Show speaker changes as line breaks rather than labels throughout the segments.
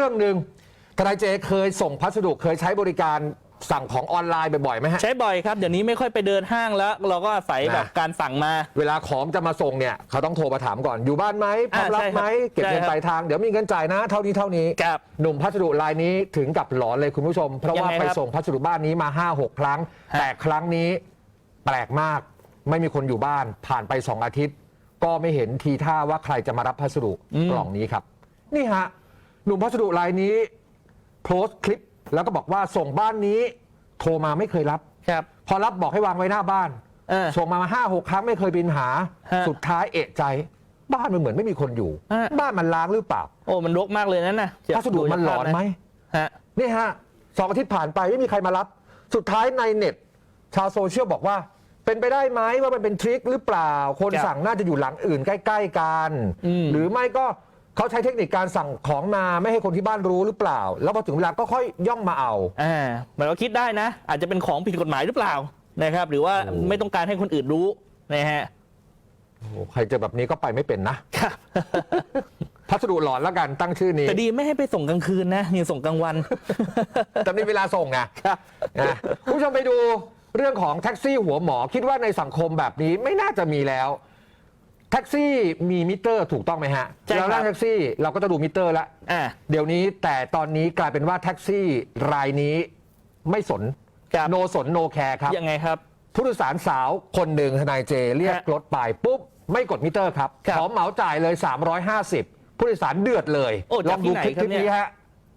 รื่องหนึ่งทนายเจเคยส่งพัสดุเคยใช้บริการสั่งของออนไลน์บ่อยๆไหมฮะ
ใช้บ่อยครับเดี๋ยวนี้ไม่ค่อยไปเดินห้างแล้วเราก็อาศัยแบบการสั่งมา
เวลาของจะมาส่งเนี่ยเขาต้องโทรมาถามก่อนอยู่บ้านไหมพร้อมรับไหมเก็บเงินปลายทางเดี๋ยวมีเงินจ่ายนะเท่านี้หนุ่มพัสดุรายนี้ถึงกับหลอนเลยคุณผู้ชมเพราะว่าไปส่งพัสดุบ้านนี้มา 5-6 ครั้งแต่ครั้งนี้แปลกมากไม่มีคนอยู่บ้านผ่านไป2 อาทิตย์ก็ไม่เห็นทีท่าว่าใครจะมารับพัสดุกล่องนี้ครับนี่ฮะหนุ่มพัสดุรายนี้โพสต์คลิปแล้วก็บอกว่าส่งบ้านนี้โทรมาไม่เคยรับพอรับบอกให้วางไว้หน้าบ้านส่งมา 5-6 ครั้งไม่เคยบินหาสุดท้ายเอะใจบ้านมันเหมือนไม่มีคนอยู่บ้านมันล้างหรือเปล่า
โอ้มันรกมากเลยนั่นนะ
พัสดุมันหลอนไหมนี่ฮะ2 อาทิตย์ผ่านไปไม่มีใครมารับสุดท้ายในเน็ตชาวโซเชียลบอกว่าเป็นไปได้ไหมว่ามันเป็นทริคหรือเปล่าคนสั่งน่าจะอยู่หลังอื่นใกล้ๆกันหรือไม่ก็เขาใช้เทคนิคการสั่งของมาไม่ให้คนที่บ้านรู้หรือเปล่าแล้วพอถึงเวลาก็ค่อยย่องมาเอา
เหมือนเราคิดได้นะอาจจะเป็นของผิดกฎหมายหรือเปล่านะครับหรือว่าไม่ต้องการให้คนอื่นรู้นะฮะ
ใครเจอแบบนี้ก็ไปไม่เป็นนะพัสดุหลอนแล้วกันตั้งชื่อนี้
แต่ดีไม่ให้ไปส่งกลางคืนนะยังส่งกลางวัน
แต่มีเวลาส่งไงคุณผู้ชมไปดูเรื่องของแท็กซี่หัวหมอคิดว่าในสังคมแบบนี้ไม่น่าจะมีแล้วแท็กซี่มีมิเตอร์ถูกต้องไหมฮะเรานั่งแท็กซี่เราก็จะดูมิเตอร์แล้วเดี๋ยวนี้แต่ตอนนี้กลายเป็นว่าแท็กซี่รายนี้ไม่สนโนสนโนแคร์ครับ
ยังไงครับ
ผู้โดยสารสาวคนหนึ่งทนายเจเรียกรถไปปุ๊บไม่กดมิเตอร์ครับขอเหมาจ่ายเลย350ผู้โดยสารเดือดเลยลองดูคลิปนี้ฮะ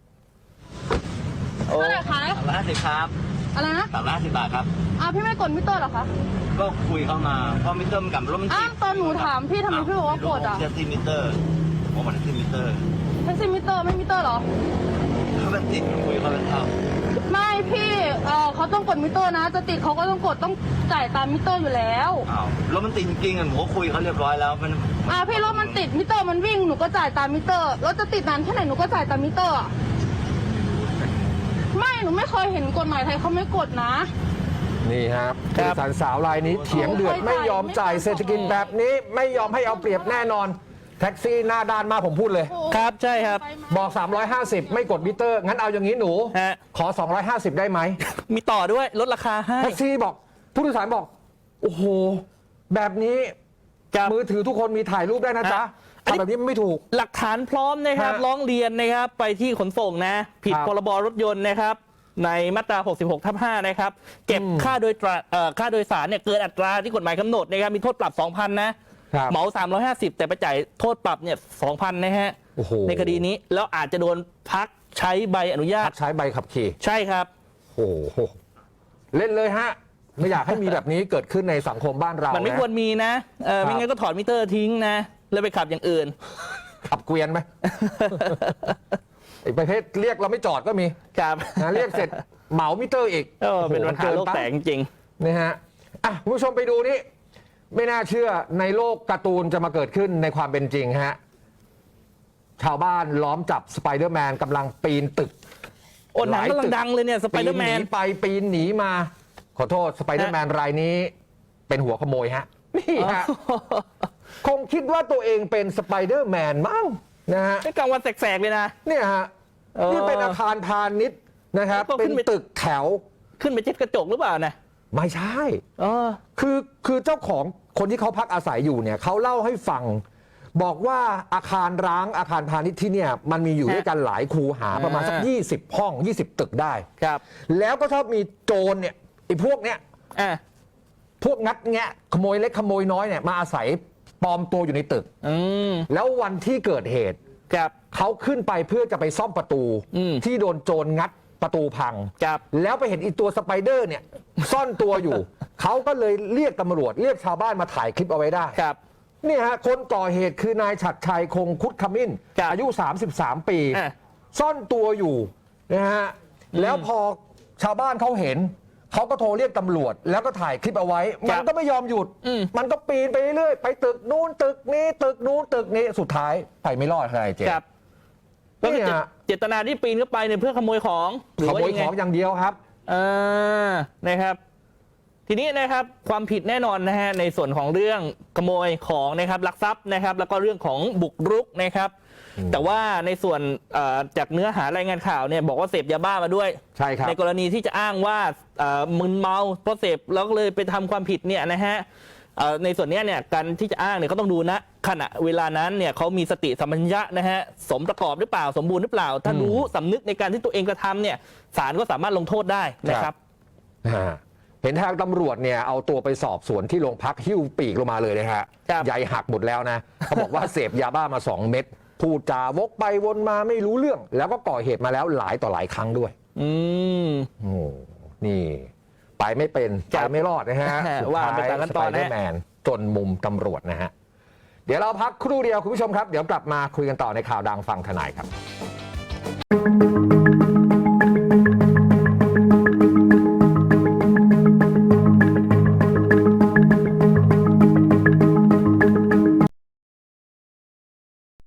เท่าไหร่คะ
350ครับ
อะไรนะ
350 บาทครับ
พี่ไม่กดมิเตอร์หรอคะ
ก็คุยเข้ามาเพราะมิเตอร์มันกับรถมันติด
ตอนหนูถามพี่ทำไมพี่บอกว่ากด
แท็กซี่มิเตอร์ผมบอกแท็กซี่มิเตอร์
แท็กซี่มิเตอร์ไม่มิเตอร์หรอ
เขาเป็นติดคุยเขาเป็นเท่า
ไม่พี่เขาต้องกดมิเตอร์นะจะติดเขาก็ต้องกดต้องจ่ายตามมิเตอร์อยู่แล้ว
รถมันติดจริงๆผมก็คุยเขาเรียบร้อยแล้วมัน
พี่รถมันติดมิเตอร์มันวิ่งหนูก็จ่ายตามมิเตอร์รถจะติดนานแค่ไหนหนูก็จ่ายตามมิเตอร์ไม่หนูไม่เคยเห็นกฎหมายไทยเขาไม่กดนะ
นี่ครับผู้โดยสารสาวรายนี้เถียงเดือดไม่ยอมจ่ายเศรษฐกิจแบบนี้ไม่ยอมให้เอาเปรียบแน่นอนแท็กซี่หน้าด้านมาผมพูดเลย
ครับใช่ครับ
บอก350ไม่กดมิเตอร์งั้นเอาอย่างนี้หนูขอ250ได้ไหม
มีต่อด้วยลดราคาให้
แท็กซี่บอกผู้โดยสารบอกโอ้โหแบบนี้มือถือทุกคนมีถ่ายรูปได้นะจ๊ะแบบนี้ไม่ถูก
หลักฐานพร้อมนะครับร้องเรียนนะครับไปที่ขนส่งนะผิดพรบรถยนต์นะครับในมาตรา 66/5 นะครับเก็บค่าโดยสารเนี่ยเกินอัตราที่กฎหมายกำหนดนะครับมีโทษปรับ 2,000 นะเหมา350แต่ไปจ่ายโทษปรับเนี่ย 2,000 นะฮะในคดีนี้แล้วอาจจะโดนพักใช้ใบอนุญาต
ใช้ใบขับขี่
ใช่ครับ
โอ้โหเล่นเลยฮะไม่อยากให้มีแบบนี้เกิดขึ้นในสังคมบ้านเรา
มันไม่ควรมีนะไม่งั้นก็ถอดมิเตอร์ทิ้งนะแล้วไปขับอย่างอื่น
ขับเกวียนไหมประเภทเรียกเราไม่จอดก็มี
ครับ
เรียกเสร็จเหมามิเตอร์อีก
เป็นปัญหาโลกแตกจริง
นะฮะคุณผู้ชมไปดูนี่ไม่น่าเชื่อในโลกการ์ตูนจะมาเกิดขึ้นในความเป็นจริงฮะชาวบ้านล้อมจับสไปเดอร์แมนกำลังปีนตึก
หนังกำลังดังเลยเนี่ยสไปเดอร์แมน
ไปปีนหนีมาขอโทษสไปเดอร์แมนรายนี้เป็นหัวขโมยฮะนี่ฮะคงคิดว่าตัวเองเป็นสไปเดอร์แมนมั้งนะฮะ
กลางวันแสกๆเลยนะ
เนี่ยฮะนี่เป็นอาคารพาณิชย์นะครับเป็นตึกแถว
ขึ้นไปเช็ดกระจกหรือเปล่านะ
ไม่ใช่คือเจ้าของคนที่เขาพักอาศัยอยู่เนี่ยเขาเล่าให้ฟังบอกว่าอาคารร้างอาคารพาณิชย์ที่เนี่ยมันมีอยู่ด้วยกันหลายคูหาประมาณสัก20 ห้อง20 ตึกได้
ครับ
แล้วก็ชอบมีโจรเนี่ยไอ้พวกเนี้ยพวกงัดแงะขโมยเล็กขโมยน้อยเนี่ยมาอาศัยปลอมตัวอยู่ในตึกแล้ววันที่เกิดเหตุเขาขึ้นไปเพื่อจะไปซ่อมประตูที่โดนโจรงัดประตูพังแล้วไปเห็นอีตัวสไปเดอร์เนี่ยซ่อนตัวอยู่ เขาก็เลยเรียกตำรวจเรียกชาวบ้านมาถ่ายคลิปเอาไว้ได้นี่ฮะคนก่อเหตุคือนายฉัตรชัยคงคุดขมิ้นอายุ33 ปีซ่อนตัวอยู่นะฮะแล้วพอชาวบ้านเขาเห็นเขาก็โทรเรียกตำรวจแล้วก็ถ่ายคลิปเอาไว้มันก็ไม่ยอมหยุดมันก็ปีนไปเรื่อยไปตึกนู้นตึกนี้ตึกนู้นตึกนี้สุดท้ายไปไม่รอดใครเจ๊
แล้วเจตนาที่ปีนเข้าไปเนี่ยเพื่อขโมยของ
ขโมยของอย่างเดียวครับ
นะครับทีนี้นะครับความผิดแน่นอนนะฮะในส่วนของเรื่องขโมยของนะครับลักทรัพย์นะครับแล้วก็เรื่องของบุกรุกนะครับแต่ว่าในส่วนจากเนื้อหารายงานข่าวเนี่ยบอกว่าเสพยาบ้ามาด้วย
ใช่ครับ
ในกรณีที่จะอ้างว่ามึนเมาเพราะเสพแล้วก็เลยไปทำความผิดเนี่ยนะฮะในส่วนนี้เนี่ยการที่จะอ้างเนี่ยเขาต้องดูนะขณะเวลานั้นเนี่ยเขามีสติสัมปชัญญะนะฮะสมประกอบหรือเปล่าสมบูรณ์หรือเปล่า ถ้ารู้สำนึกในการที่ตัวเองกระทำเนี่ยศาลก็สามารถลงโทษได้นะครับ
เห็นทางตำรวจเนี่ยเอาตัวไปสอบสวนที่โรงพักหิ้วปีกลงมาเลยนะฮะ
ครับ
ใยหักหมดแล้วนะ เขาบอกว่าเสพยาบ้ามา2 เม็ดพูดจาวกไปวนมาไม่รู้เรื่อง แล้วก็ก่อเหตุมาแล้วหลายต่อหลายครั้งด้วย โอ้นี่ไปไม่เป็นไปไม่รอดนะฮะ
ว่าไปตามขั้นตอนนะ
สไปเดอร์แมนจนมุมตำรวจนะฮะเดี๋ยวเราพักครู่เดียวคุณผู้ชมครับเดี๋ยวกลับมาคุยกันต่อในข่าวดังฟังทนายครับ